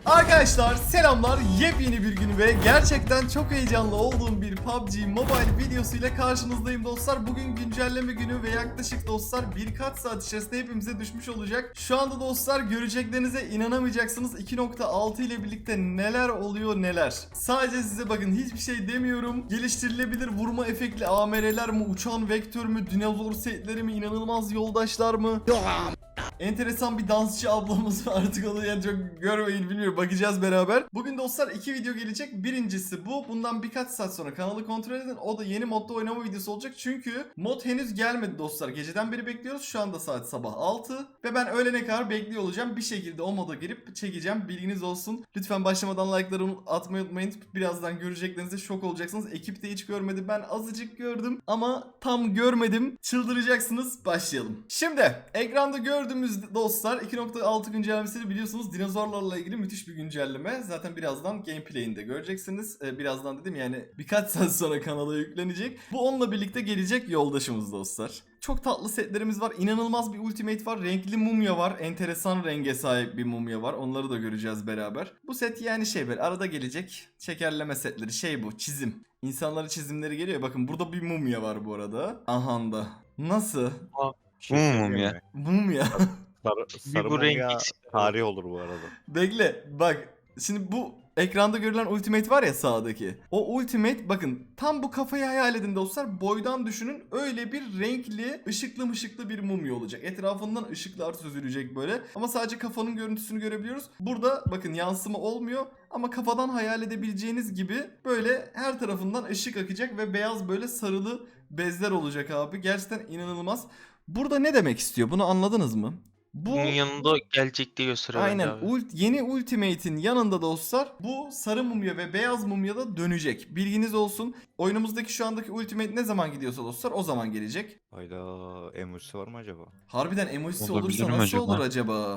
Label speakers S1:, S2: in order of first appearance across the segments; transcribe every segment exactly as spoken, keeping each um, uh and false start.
S1: Arkadaşlar selamlar, yepyeni bir gün ve gerçekten çok heyecanlı olduğum bir P U B G Mobile videosuyla karşınızdayım dostlar. Bugün güncelleme günü ve yaklaşık dostlar birkaç saat içerisinde hepimize düşmüş olacak. Şu anda dostlar göreceklerinize inanamayacaksınız. iki nokta altı ile birlikte neler oluyor neler. Sadece size bakın, hiçbir şey demiyorum. Geliştirilebilir vurma efektli A M R'ler mi, uçan vektör mü, dinozor setleri mi, inanılmaz yoldaşlar mı? Enteresan bir dansçı ablamız var, artık onu yani çok görmeyin, bilmiyorum, bakacağız beraber. Bugün dostlar iki video gelecek. Birincisi bu. Bundan birkaç saat sonra kanalı kontrol edin. O da yeni modda oynama videosu olacak. Çünkü mod henüz gelmedi dostlar. Geceden beri bekliyoruz. Şu anda saat sabah altı. Ve ben öğlene kadar bekliyor olacağım. Bir şekilde o moda girip çekeceğim. Bilginiz olsun. Lütfen başlamadan like'ları atmayı unutmayın. Birazdan göreceklerinizde şok olacaksınız. Ekip de hiç görmedi. Ben azıcık gördüm. Ama tam görmedim. Çıldıracaksınız. Başlayalım. Şimdi ekranda gördüğümüz dostlar iki nokta altı güncellemesini biliyorsunuz, dinozorlarla ilgili müthiş bir güncelleme. Zaten birazdan gameplay'ini de göreceksiniz. Ee, birazdan dedim yani birkaç saat sonra kanala yüklenecek. Bu onunla birlikte gelecek yoldaşımız dostlar. Çok tatlı setlerimiz var. İnanılmaz bir ultimate var. Renkli mumya var. Enteresan renge sahip bir mumya var. Onları da göreceğiz beraber. Bu set yani şey, böyle arada gelecek şekerleme setleri. Şey, bu çizim. İnsanların çizimleri geliyor. Bakın burada bir mumya var bu arada. Ahanda. Nasıl?
S2: Bu mu mumya?
S1: Mumya.
S2: Sarı, sarı
S3: bu renk
S2: mumya
S3: eksik.
S2: tarih olur bu arada.
S1: Bekle bak. Şimdi bu ekranda görülen ultimate var ya sağdaki. O ultimate, bakın tam bu kafayı hayal edin dostlar. Boydan düşünün, öyle bir renkli ışıklı mışıklı bir mumya olacak. Etrafından ışıklar süzülecek böyle. Ama sadece kafanın görüntüsünü görebiliyoruz. Burada bakın yansıma olmuyor. Ama kafadan hayal edebileceğiniz gibi böyle her tarafından ışık akacak ve beyaz böyle sarılı bezler olacak abi. Gerçekten inanılmaz. Burada ne demek istiyor? Bunu anladınız mı? Bu
S3: Bunun yanında gelecek diye gösteriyor
S1: aynen
S3: bence abi.
S1: ult, yeni Ultimate'in yanında dostlar bu sarı mumya ve beyaz mumya da dönecek. Bilginiz olsun. Oyunumuzdaki şu andaki Ultimate ne zaman gidiyorsa dostlar o zaman gelecek.
S2: Hayda, emojisi var mı acaba?
S1: Harbiden emojisi
S4: Olabilir
S1: olursa
S4: mi
S1: nasıl
S4: acaba?
S1: olur acaba?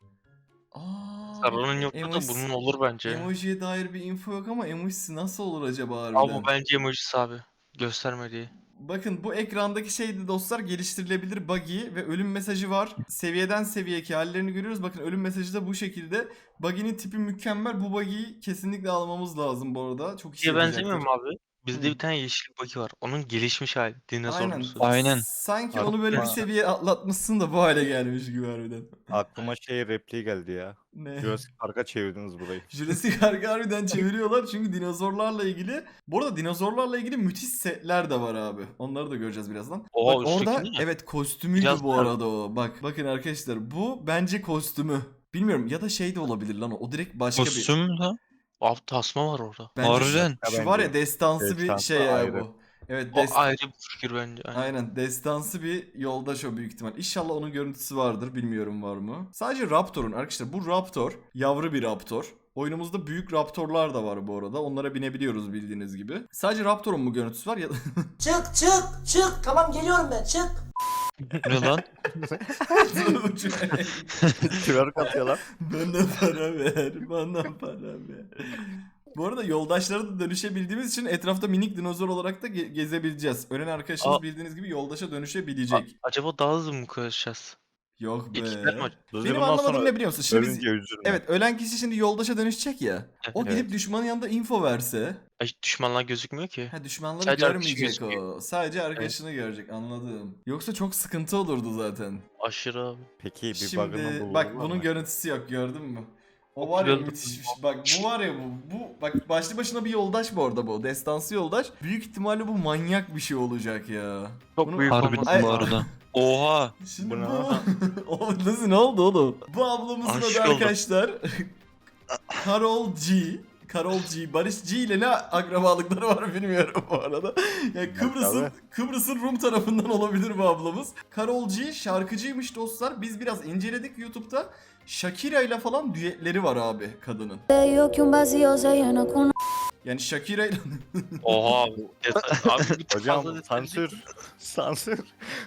S1: Aa,
S3: Sarının yoksa da
S1: emojisi-
S3: bunun olur bence.
S1: Emojiye dair bir info yok ama emojisi nasıl olur acaba harbiden?
S3: Abi bu bence emojisi abi. Göstermediği.
S1: Bakın bu ekrandaki şeydi dostlar, geliştirilebilir buggy ve ölüm mesajı var. Seviyeden seviyeki hallerini görüyoruz. Bakın ölüm mesajı da bu şekilde. Buggy'nin tipi mükemmel. Bu buggy'yi kesinlikle almamız lazım bu arada. Çok işe
S3: Diye benzemiyor
S1: yarayacaktır.
S3: mu abi? Bizde
S1: Hı.
S3: bir tane yeşil baki var. Onun gelişmiş hali. Dinozor
S1: Aynen.
S3: musu?
S4: Aynen.
S1: Sanki
S2: Ar-
S1: onu böyle bir
S2: Aa.
S1: seviye atlatmışsın da bu hale gelmiş gibi harbiden.
S2: Aklıma şey repliği geldi ya.
S1: Ne?
S2: Jurassic Park'a çevirdiniz burayı.
S1: Jurassic Park'ı harbiden çeviriyorlar çünkü dinozorlarla ilgili. Bu arada dinozorlarla ilgili müthiş setler de var abi. Onları da göreceğiz birazdan.
S3: Oha,
S1: Bak orada
S3: üstteki mi?
S1: evet kostümüydü
S3: Biraz
S1: bu
S3: daha-
S1: arada o. Bak bakın arkadaşlar, bu bence kostümü. Bilmiyorum, ya da şey de olabilir lan o. O direkt başka bir.
S4: Kostüm mü lan?
S3: Abi tasma var orada.
S1: Bence
S4: Harbiden.
S1: Şu, şu var ya
S2: Bence.
S1: destansı bir
S2: Destansı
S1: şey ya
S2: ayrı.
S1: bu. Evet
S3: O
S1: dest-
S3: ayrı bir fikir bence. Aynen.
S1: Aynen destansı bir yoldaş o büyük ihtimal. İnşallah onun görüntüsü vardır, bilmiyorum var mı. Sadece Raptor'un arkadaşlar, bu Raptor yavru bir Raptor. Oyunumuzda büyük Raptor'lar da var bu arada. Onlara binebiliyoruz bildiğiniz gibi. Sadece Raptor'un mu görüntüsü var ya da...
S5: Çık çık çık. Tamam geliyorum ben çık.
S4: Ne lan?
S2: Twerk atıyorlar.
S1: Bana para ver, bana para ver. Bu arada yoldaşlara da dönüşebildiğimiz için etrafta minik dinozor olarak da ge- gezebileceğiz. Ölen arkadaşımız
S3: Aa.
S1: bildiğiniz gibi yoldaşa dönüşebilecek.
S3: A- acaba daha hızlı mı koşacağız?
S1: Yok be.
S3: Ekipler mi?
S1: Benim anlamadığım ne biliyor musun? Şimdi biz,
S2: Ölünce üzülme.
S1: evet, ölen kişi şimdi yoldaşa dönüşecek ya. O
S3: Evet.
S1: gidip düşmanın yanında info verse.
S3: Ay, düşmanlar gözükmüyor ki.
S1: Ha, düşmanları
S3: Sadece arkadaşı
S1: görmeyecek o.
S3: gözüküyor.
S1: Sadece arkadaşını görecek, anladım. Yoksa çok sıkıntı olurdu zaten.
S3: Aşırı abi.
S2: Peki bir bug'ını
S1: Şimdi
S2: bulurlar
S1: bak
S2: mı?
S1: bunun görüntüsü yok, gördün mü? O
S3: Çok
S1: var ya
S3: güzel.
S1: müthişmiş. Bak bu var ya bu. Bu bak başlı başına bir yoldaş bu arada bu. Destansı yoldaş. Büyük ihtimalle bu manyak bir şey olacak ya.
S3: Çok
S1: Bunu-
S3: büyük
S4: Harbiden
S3: olmaz.
S1: Ay-
S4: bu arada. Oha.
S1: Şimdi
S2: Bu ne?
S1: bu... o nasıl, ne oldu oğlum? Bu ablamızın
S3: Aşık
S1: adı
S3: oldum.
S1: arkadaşlar. Karol G. Karol G. Barış G ile ne akrabalıkları var bilmiyorum bu arada. Yani Kıbrıs'ın
S2: tabii.
S1: Kıbrıs'ın Rum tarafından olabilir bu ablamız. Karol G şarkıcıymış dostlar. Biz biraz inceledik YouTube'da. Shakira ile falan düetleri var abi kadının.
S6: Yo que un vacío se llena con
S1: Yani Shakira ile...
S3: Oha abi. Detay- abi bir tık
S2: Hocam
S3: fazla detay
S2: sansür. Sansür.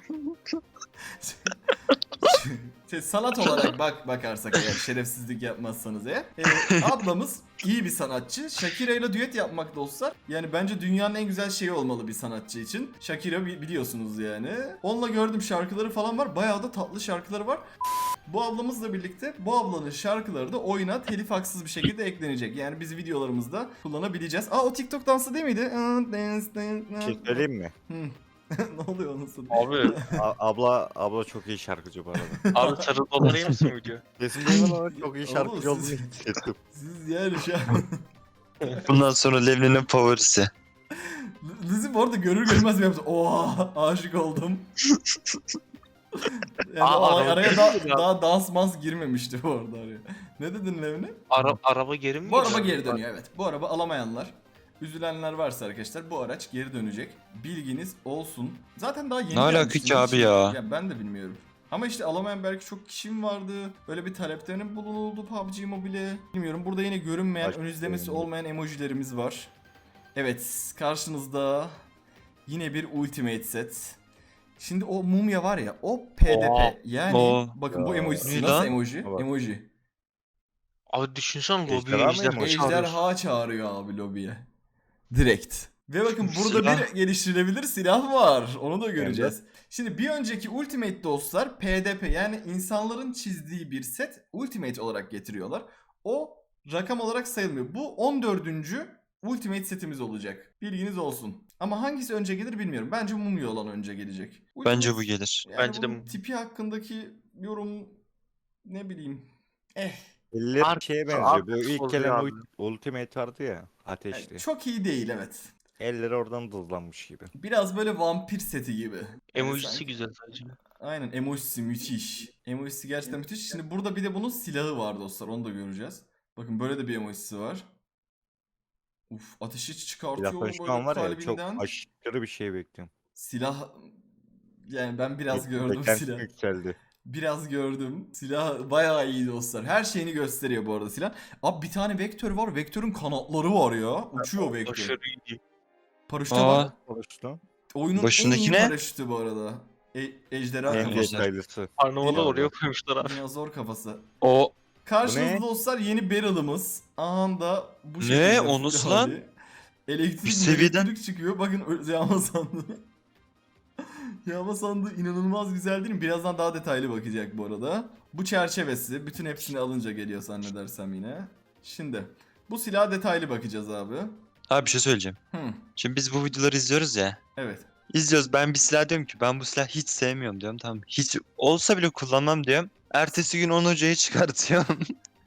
S1: Şey, sanat olarak bak bakarsak eğer, şerefsizlik yapmazsanız eğer. Ee, ablamız iyi bir sanatçı. Shakira ile düet yapmak dostlar. Yani bence dünyanın en güzel şeyi olmalı bir sanatçı için. Shakira bi- biliyorsunuz yani. Onunla gördüm, şarkıları falan var. Bayağı da tatlı şarkıları var. Bu ablamızla birlikte bu ablanın şarkıları da oyuna telif haksız bir şekilde eklenecek. Yani biz videolarımızda kullanabileceğiz. Aa o TikTok dansı değil miydi?
S2: Bir şey söyleyeyim mi?
S1: Hı. Ne oluyor onun sonu?
S3: Abi.
S2: A- abla abla çok iyi şarkıcı bu arada.
S3: Abi sarı doları yer misin video?
S2: Kesin duymadım ama çok iyi
S1: Oğlum,
S2: şarkıcı olduğunu
S1: siz-
S2: hissettim.
S1: Siz yani şu an...
S4: Bundan sonra Levni'nin favorisi.
S1: Lizzy bu arada görür görmez mi yaptı? Oha aşık oldum. Yani
S3: Aa,
S1: o
S3: araba
S1: araya
S3: girdi
S1: da,
S3: ya.
S1: daha dans mans girmemişti bu arada araya. Ne dedin Levni?
S3: Ara, araba geri mi
S1: Bu araba
S3: gidiyor?
S1: geri dönüyor evet. Bu araba alamayanlar, üzülenler varsa arkadaşlar bu araç geri dönecek. Bilginiz olsun. Zaten daha yeni
S4: Ne alaka
S1: gelmişti,
S4: ki abi
S1: hiç-
S4: ya?
S1: Ya ben de bilmiyorum. Ama işte alamayan belki çok kişim vardı. Böyle bir taleplerin bulunuldu P U B G Mobile. Bilmiyorum. Burada yine görünmeyen,
S2: Başka
S1: ön izlemesi
S2: sorun yok.
S1: olmayan emojilerimiz var. Evet, karşınızda yine bir Ultimate set. Şimdi o mumya var ya, o P D P.
S3: Oha.
S1: Yani
S4: Oo.
S1: bakın bu
S2: Ya.
S1: emojisi
S4: Ne
S1: nasıl
S4: lan?
S1: emoji?
S2: Bak.
S1: Emoji.
S3: Abi düşünsene lobiye
S2: Ejderha mı
S3: ejderha
S2: emoji?
S3: çağırıyorsun.
S1: Ejderha çağırıyor abi lobiye. Direkt. Ve bakın burada
S4: Silah.
S1: bir geliştirilebilir silah var. Onu da göreceğiz. Şimdi bir önceki Ultimate dostlar P D P yani insanların çizdiği bir set Ultimate olarak getiriyorlar. O rakam olarak sayılmıyor. Bu on dördüncü Ultimate setimiz olacak. Bilginiz olsun. Ama hangisi önce gelir bilmiyorum. Bence Mumya olan önce gelecek.
S4: Bence
S1: Ultimate-
S4: bu gelir.
S1: Yani
S3: Bence de
S1: bunun
S3: Mumya.
S1: tipi hakkındaki yorum ne bileyim. Eh.
S2: Eller
S3: Ark-
S2: şeye
S3: Ark
S2: benziyor. Bu ilk
S3: oluyor
S2: gelen
S3: abi.
S2: ult- Ultimate vardı ya. Ateşli.
S1: Yani çok iyi değil evet.
S2: Elleri oradan dızlanmış gibi.
S1: Biraz böyle vampir seti gibi. Yani
S3: Emojisi
S1: sanki-
S3: güzel sadece.
S1: Aynen emojisi müthiş. Emojisi gerçekten müthiş. Şimdi burada bir de bunun silahı var dostlar. Onu da göreceğiz. Bakın böyle de bir emojisi var. Uf ateşi çıkartıyor
S2: Silahtan
S1: oğlum
S2: şu
S1: böyle
S2: an var ya çok
S1: kalbinden.
S2: aşırı bir şey bekliyorum.
S1: Silah yani ben biraz gördüm
S2: Beklentim
S1: silah.
S2: yükseldi.
S1: Biraz gördüm. Silah bayağı iyi dostlar. Her şeyini gösteriyor bu arada silah. Abi bir tane vektör var. Vektörün kanatları var ya. Uçuyor vektör.
S3: Aşırı iyi.
S1: Paraşüte
S4: Aa.
S1: bak.
S2: Konuştu.
S1: Oyunun
S4: Başındaki
S1: en iyi
S4: ne?
S1: paraşütü bu arada. E- ejderha
S2: En
S1: kafası.
S2: detaylısı.
S3: Karnavalı
S1: Eyvallah.
S3: oraya koymuşlar abi.
S1: Dinozor kafası.
S4: O
S1: Karşınızda
S2: Bu ne?
S1: dostlar yeni barrel'ımız. Anında bu
S4: Ne?
S1: şekilde.
S4: O nasıl lan?
S1: hali. Elektrik,
S4: Bir seviyeden-
S1: elektrik çıkıyor. Bakın ö- yağma sandığı. Yağma sandığı inanılmaz güzel değil mi? Birazdan daha detaylı bakacak bu arada. Bu çerçevesi. Bütün hepsini alınca geliyor zannedersem yine. Şimdi bu silaha detaylı bakacağız abi.
S4: abi bir şey söyleyeceğim.
S1: Hı,
S4: Şimdi biz bu videoları izliyoruz ya.
S1: evet.
S4: İzliyoruz. Ben bir silah diyorum ki ben bu silahı hiç sevmiyorum diyorum. Tamam. Hiç olsa bile kullanmam diyorum. Ertesi gün on hocayı çıkartıyorum.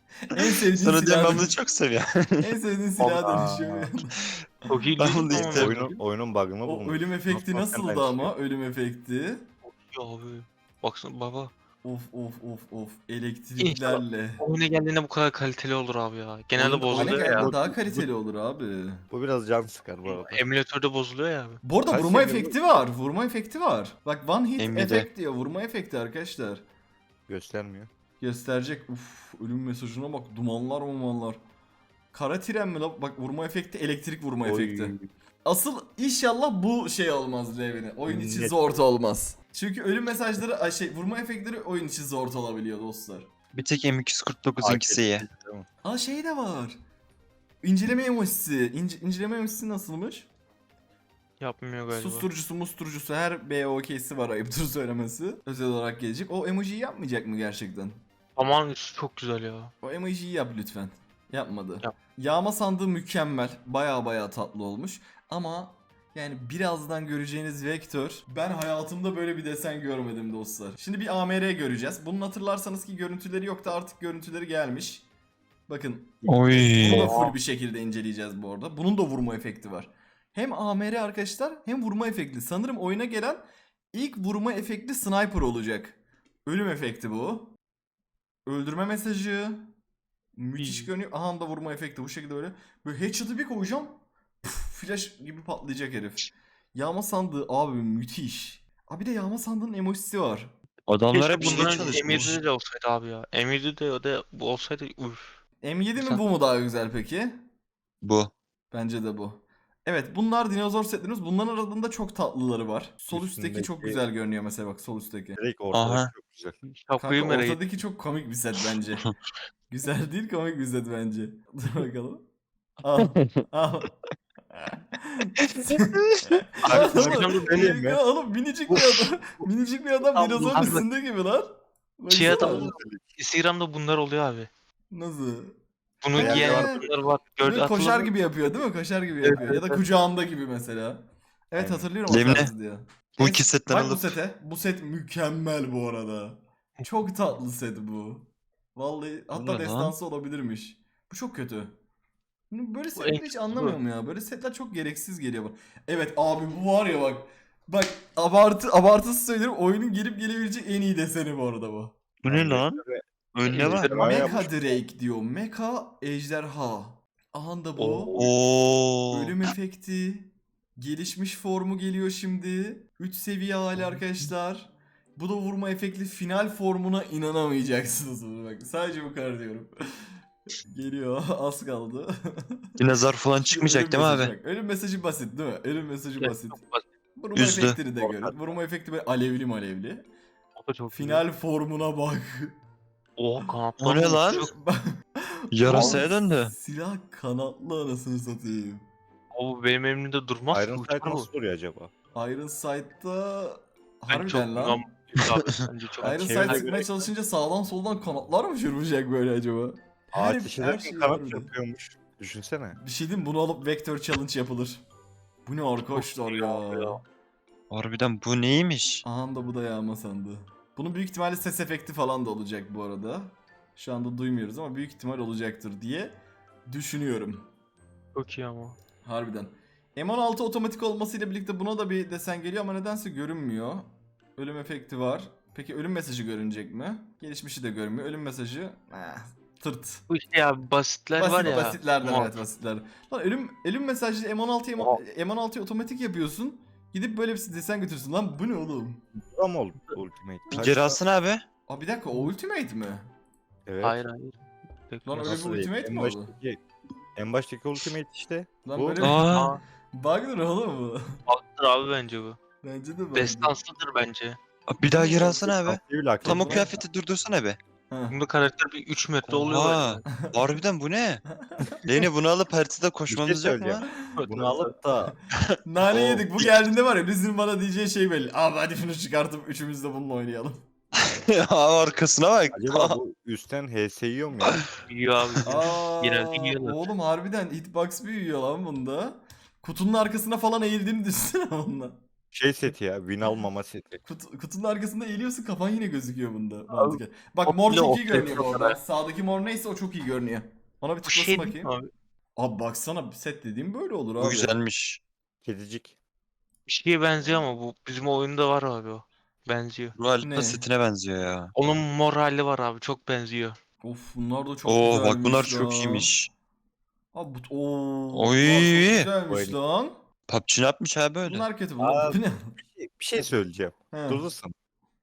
S1: En sevdiğin
S4: Sonra diyorum ben
S1: silah.
S4: bunu çok seviyorum.
S1: En sevdiğin silaha
S2: Allah.
S1: dönüşüyor.
S3: Çok iyi
S4: Ben
S3: değil
S4: bunu
S3: mi ama?
S4: isterim.
S2: Oyunun, oyunun bug'ını
S1: O
S2: bulmuş.
S1: ölüm efekti
S2: Nasıl
S1: nasıldı
S2: hakikaten
S1: ama? Ölüm efekti.
S3: Ya abi. Baksana baba.
S1: Of of of of. Elektriklerle.
S3: Oyuna geldiğinde bu kadar kaliteli olur abi ya. Genelde
S1: Oyun- oyuna
S3: bozuluyor
S1: geldiğinde
S3: ya.
S1: daha kaliteli olur abi.
S2: Bu biraz can sıkar bu arada.
S3: Emülatörde bozuluyor ya abi.
S1: Bu arada
S2: Kaç
S1: vurma
S2: seviye bu?
S1: efekti var. Vurma efekti var. Bak one hit
S4: Nvidia.
S1: efekt diyor. Vurma efekti arkadaşlar.
S2: Göstermiyor.
S1: Gösterecek. Uf ölüm mesajına bak. Dumanlar mumanlar. Kara tren mi la? Bak vurma efekti elektrik vurma
S2: Oy.
S1: efekti. Asıl inşallah bu şey olmaz Levine. Oyun içi
S2: Net.
S1: zor olmaz. Çünkü ölüm mesajları ay şey vurma efektleri oyun içi zor olabiliyor dostlar.
S4: Bir tek M iki yüz kırk dokuzunkisi iyi.
S2: Tamam.
S1: Aa şey de var. İnceleme emojisi. İnce, inceleme emojisi nasılmış?
S3: Yapmıyor galiba.
S1: Susturucusu musturucusu her B O K'si var ayıptır söylemesi. Özel olarak gelecek. O emojiyi yapmayacak mı gerçekten?
S3: Aman üstü çok güzel ya.
S1: O emojiyi yap lütfen. Yapmadı.
S3: Yap.
S1: Yağma sandığı mükemmel. Baya baya tatlı olmuş. Ama yani birazdan göreceğiniz vektör. Ben hayatımda böyle bir desen görmedim dostlar. Şimdi bir A M R göreceğiz. Bunun hatırlarsanız ki görüntüleri yoktu artık görüntüleri gelmiş. Bakın
S4: Oy.
S1: bunu da full bir şekilde inceleyeceğiz bu arada. Bunun da vurma efekti var. Hem A M R arkadaşlar hem vurma efektli. Sanırım oyuna gelen ilk vurma efektli sniper olacak. Ölüm efekti bu. Öldürme mesajı. Müthiş görünüyor. Aha da vurma efekti bu şekilde öyle. Böyle headshot'ı bir koyacağım. Puf, flash gibi patlayacak herif. Yağma sandığı abi müthiş. Abi de yağma sandığının emojisi var.
S4: Adamlar hep
S3: Keşke
S4: bunda
S3: bunların
S4: çalışmış.
S3: M yedide de olsaydı abi ya. M yedide o da bu olsaydı uff.
S1: M yedi mi
S3: Sen-
S1: bu mu daha güzel peki?
S4: Bu.
S1: Bence de bu. Evet bunlar dinozor setlerimiz. Bunların arasında çok tatlıları var. Sol üstteki çok
S2: Üstündeki-
S1: güzel görünüyor mesela bak sol üstteki.
S2: Direkt ortada
S4: Aha.
S2: çok güzel.
S3: Şapkayı
S1: Kanka
S3: merak ettim.
S1: ortadaki çok komik bir set bence. Güzel değil komik bir set bence. Dur bakalım. Al. Al.
S2: Abi,
S1: Oğlum,
S2: bakacağım da deneyeyim mi?
S1: ya oğlum minicik bir adam. Minicik bir adam
S3: Tamam,
S1: dinozorun
S3: abi.
S1: üstünde gibi lan.
S3: Chia
S1: Baksana.
S3: da Instagram'da bunlar oluyor abi.
S1: Nasıl?
S3: Bunu
S1: Beyaz
S3: giyen
S1: var.
S3: insanlar var. Gördü,
S1: Böyle koşar
S3: hatırladın mı?
S1: gibi yapıyor değil mi? Koşar gibi
S3: Evet,
S1: yapıyor. Ya da
S3: evet.
S1: kucağında gibi mesela. Evet
S2: Aynen.
S1: hatırlıyorum o
S4: Lemine.
S1: tarz diyor.
S4: Bu
S1: Evet,
S4: iki setten
S1: bak bu
S4: alıp
S1: sete. Bu set mükemmel bu arada. Çok tatlı set bu. Vallahi hatta
S4: ne lan?
S1: destansı olabilirmiş. Bu çok kötü. Böyle
S3: en
S1: setleri hiç
S3: kötüsü
S1: anlamıyorum ya. Böyle setler çok gereksiz geliyor bana. Evet abi bu var ya bak. Bak abartı abartısız söylüyorum. Oyunun gelip gelebilecek en iyi deseni bu arada bu.
S4: bu ne lan? Önüne bak.
S3: Ejderha
S2: yapmış.
S1: Mecha Drake diyor. Mecha ejderha. Aha da bu.
S4: Oo.
S1: Ölüm efekti. Gelişmiş formu geliyor şimdi. üç seviye hali arkadaşlar. Bu da vurma efektli final formuna inanamayacaksınız bunu bak. Sadece bu kadar diyorum. Geliyor. Az kaldı.
S4: Dinozor falan
S1: Şu
S4: çıkmayacak
S1: ölüm
S4: değil mi
S1: mesajı
S4: abi?
S1: bak. Ölüm mesajı basit değil mi? Ölüm mesajı
S3: Evet,
S1: basit.
S3: çok basit.
S1: Vurma
S4: Üzdü.
S1: efektini de görün. Vurma efekti böyle alevli malevli.
S3: O da çok güzel.
S1: Final formuna bak.
S3: Oha kanatlar.
S4: O ne lan? Yarasaya
S1: Abi,
S4: döndü.
S1: Silah kanatlı anasını satayım.
S3: O benim elimde durmaz ki.
S2: Iron
S3: uçar
S2: Sight
S3: bu.
S2: nasıl duruyor acaba?
S1: Iron Sight'ta
S3: Ben çok
S1: harbiden lan.
S3: lan. Abi, bence çok
S1: Iron
S2: Çevrede
S1: Sight sıkmaya
S2: göre-
S1: çalışınca sağdan soldan kanatlar mı çırpacak böyle acaba? Her,
S2: Ateş
S1: her
S2: ederken
S1: şey
S2: kanat
S1: var burada.
S2: yapıyormuş. Düşünsene.
S1: Bir şey diyeyim mi? Bunu alıp Vector Challenge yapılır. Bu ne arkadaşlar
S3: iyi
S1: ya.
S3: abi ya.
S4: Harbiden bu neymiş?
S1: Aha da bu da yağma sandı. Bunun büyük ihtimalle ses efekti falan da olacak bu arada. Şu anda duymuyoruz ama büyük ihtimal olacaktır diye düşünüyorum.
S3: Çok iyi ama.
S1: Harbiden. M on altı otomatik olmasıyla birlikte buna da bir desen geliyor ama nedense görünmüyor. Ölüm efekti var. Peki ölüm mesajı görünecek mi? Gelişmişi de görünmüyor. Ölüm mesajı eh, tırt.
S3: Bu işte ya basitler
S1: Basit,
S3: var ya.
S1: basitlerden
S3: Muhakkak.
S1: evet basitler. Lan ölüm ölüm mesajı M on altıya M on altıya otomatik yapıyorsun. Gidip böyle bir desen götürsün. Lan bu ne oğlum?
S2: Bu da mı oldu Ultimate?
S4: Bir
S2: Kaç-
S4: geri alsana abi.
S1: Aa bir dakika o ultimate mi?
S2: Evet.
S3: Hayır hayır.
S1: Lan öyle
S2: Nasıl
S1: bir
S2: değil?
S1: ultimate
S2: En
S1: mi oldu?
S2: baştaki, en baştaki Ultimate işte.
S1: Lan
S2: Bu-
S1: böyle
S4: Aa.
S1: bug'dır oğlum bu.
S3: Baktır abi bence bu.
S1: Bence de bug'dır.
S3: Destansıdır bence.
S4: Bir daha geri alsana abi.
S2: Taktiği bile hak
S4: Tam o
S2: etmiyor.
S4: kıyafeti durdursana be.
S1: Ha.
S3: Bunda karakter bir üç metre oluyor.
S4: Oha. Harbiden bu ne? Leyne bunu alıp haritada koşmamız yok mu?
S2: söyleyeceğim.
S3: böyle.
S2: Bunu alıp da
S1: Nane
S2: O-
S1: yedik. Bu geldiğinde var ya bizim bana diyeceği şey belli. Abi hadi şunu çıkartıp üçümüz de bununla oynayalım.
S4: Abi arkasına bak.
S2: acaba bu üstten H S yiyor mu ya?
S3: Yiyor abi.
S1: Aa,
S3: Genelde yiyorlar.
S1: oğlum harbiden hitbox büyüyor lan bunda. Kutunun arkasına falan eğildiğini düşünsene bununla.
S2: Şey seti ya, win almama seti.
S1: Kutu, kutunun arkasında eğiliyorsun kafan yine gözüküyor bunda. Mantıken. Bak
S3: o
S1: mor
S3: bile
S1: çok iyi
S3: ortaya
S1: görünüyor bu arada.
S3: kadar.
S1: Sağdaki mor neyse o çok iyi görünüyor. Ona bir
S3: Bu
S1: tıklasın
S3: şey
S1: bakayım.
S3: değil mi abi?
S1: Abi baksana set dediğim böyle olur abi.
S4: Bu güzelmiş.
S2: Kedicik.
S3: Bir şeye benziyor ama bu bizim oyunda var abi o. Benziyor.
S4: Ruh Alpa
S1: Ne?
S4: setine benziyor ya.
S3: Onun mor hali var abi çok benziyor.
S1: Of bunlar da çok
S4: Oo
S1: güzelmiş
S4: bak bunlar çok
S1: lan.
S4: iyiymiş.
S1: Abi bu ooo.
S4: Oy.
S1: Bunlar çok güzelmiş
S2: Oy.
S1: lan.
S4: P U B G ne yapmış abi öyle?
S1: Bunlar kötü bunlar.
S2: Aa,
S1: Bu ne?
S2: Bir şey söyleyeceğim.
S1: He.
S2: Durursun.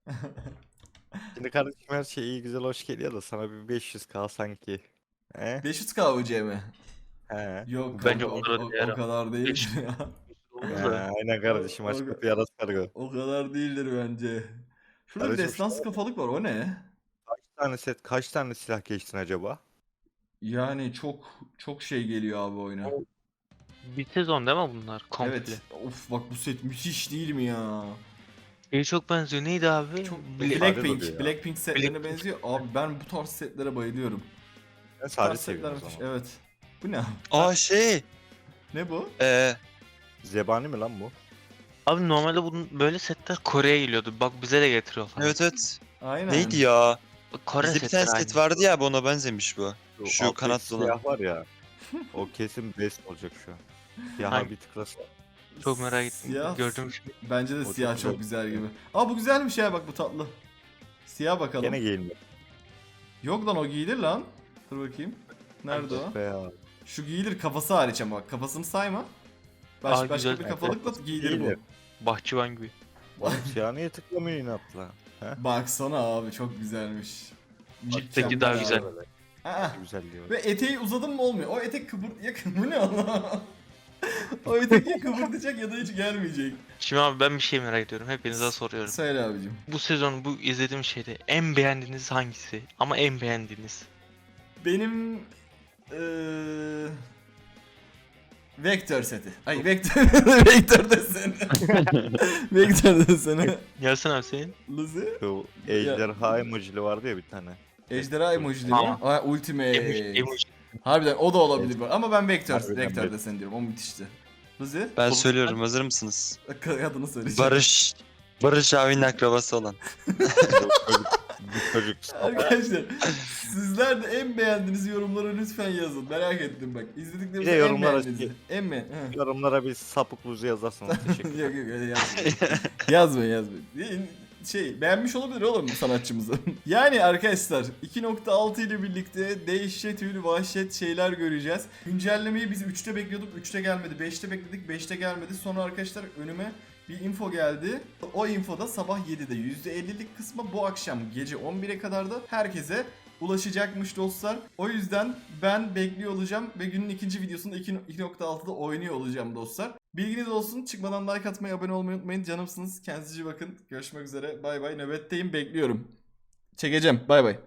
S2: Şimdi kardeşim her şey iyi güzel hoş geliyor da sana bir beş yüz k sanki. He?
S1: beş yüz K U C mi?
S2: He.
S1: Yok
S3: Bence
S1: kanka, o,
S3: onlara
S1: o,
S3: değer
S1: o
S3: abi.
S1: kadar değil
S3: beş-
S1: ya.
S3: Oldu
S2: He,
S3: da.
S2: aynen kardeşim
S1: O-
S2: aç
S1: o-
S2: kapıyı aras kargo.
S1: O kadar değildir bence. Şurada bir
S2: Kardeşim,
S1: destans kafalık var o ne?
S2: Kaç tane set kaç tane silah geçtin acaba?
S1: Yani çok çok şey geliyor abi oyuna.
S3: O- Bir sezon değil mi bunlar? Komple.
S1: Evet. Of bak bu set müthiş değil mi ya?
S3: Şeye çok benziyor. Neydi abi?
S1: Çok
S3: Bla-
S1: Blackpink,
S2: oluyor ya.
S1: Blackpink setlerine
S3: Blackpink.
S1: benziyor. Abi ben bu tarz setlere bayılıyorum.
S2: Ben
S1: Bu
S2: sadece
S1: tarz setler
S2: seviyorum o
S1: müthiş.
S2: zaman.
S1: Evet. Bu ne?
S4: Aa şey.
S1: Ne bu?
S4: Eee.
S2: Zebani mi lan bu?
S3: Abi normalde bunun böyle setler Kore'ye geliyordu. Bak bize de getiriyor falan.
S4: Evet evet.
S1: Aynen.
S4: Neydi ya?
S3: Kore
S4: Bizde bir tane
S3: setleri
S4: set
S3: aynı.
S4: vardı ya abi ona benzemiş bu. Şu
S2: alttaki
S4: kanatlı olan.
S2: siyah var ya. O kesin best olacak şu an. Siyaha
S3: Hangi?
S2: bir tıklasa.
S3: Çok merak ettim.
S1: Siyah.
S3: Gördüğüm şey.
S1: Bence de
S2: O çok
S1: siyah
S2: güzel.
S1: çok güzel gibi. Aa bu güzelmiş ya bak bu tatlı. Siyah bakalım.
S2: Gene giyinme.
S1: Yok lan o giyilir lan. Dur bakayım. Nerede o?
S2: Be ya.
S1: Şu giyilir kafası hariç ama bak kafasını sayma. Baş,
S3: Aa,
S1: başka
S3: güzel.
S1: bir kafalıkla giyilir bu.
S2: Giyilir.
S3: Bahçıvan gibi.
S2: Oğlum siyah niye tıklamıyor inatla?
S1: Baksana abi çok güzelmiş.
S3: Alttaki daha güzel.
S1: Aa,
S2: Güzel diyor.
S1: ve eteği uzadın mı olmuyor. O etek kıvır... Ya bu ne Allah? O etek ya kıvırtacak ya da hiç gelmeyecek.
S3: Şimdi abi ben bir şey merak ediyorum. Hepinize soruyorum.
S1: Söyle abicim.
S3: Bu sezon bu izlediğim şeyde en beğendiğiniz hangisi? Ama en beğendiğiniz.
S1: Benim... Eee... Vektör seti. Ay vektör vektör deseni. Vektör deseni.
S3: Gelsin abi senin.
S1: Luzi.
S2: Şu ejderha emojili vardı ya bir tane.
S1: Ejderha emojili mi?
S3: Tamam.
S1: Aa, ultimate.
S3: Emoji, emoji.
S1: Harbiden o da olabilir bu. Ama ben vektör,
S2: Harbiden
S1: vektör
S2: bet-
S1: deseni diyorum. O müthişti. Luzi.
S4: Ben
S3: Oğlum,
S4: söylüyorum, hazır mısınız?
S1: Adını söyleyeceğim.
S4: Barış. Barış abinin akrabası olan.
S2: Bu çocuk, bu çocuk
S1: Arkadaşlar sizler de en beğendiğiniz yorumlara lütfen yazın. Merak ettim bak.
S2: Bir
S1: İzlediklerimizde
S2: de
S1: en
S2: yorumlara
S1: beğendiğinizi.
S2: şey-
S1: En beğen. Heh.
S2: yorumlara bir sapık buzu yazarsanız teşekkür
S1: yok
S2: ederim.
S1: yok öyle yazmayın. yazmayın yazmayın. Şey beğenmiş olabilir oğlum sanatçımızı. Yani arkadaşlar iki nokta altı ile birlikte dehşet ül vahşet şeyler göreceğiz. Güncellemeyi biz üçte bekliyorduk. üçte gelmedi. beşte bekledik. beşte gelmedi. Sonra arkadaşlar önüme bir info geldi. O infoda sabah yedide yüzde ellilik kısmı bu akşam gece on bire kadar da herkese ulaşacakmış dostlar. O yüzden ben bekliyor olacağım ve günün ikinci videosunda iki nokta altıda oynuyor olacağım dostlar. Bilginiz olsun. Çıkmadan like atmayı, abone olmayı unutmayın. Canımsınız. Kendinize iyi bakın. Görüşmek üzere. Bay bay. Nöbetteyim. Bekliyorum. Çekeceğim. Bay bay.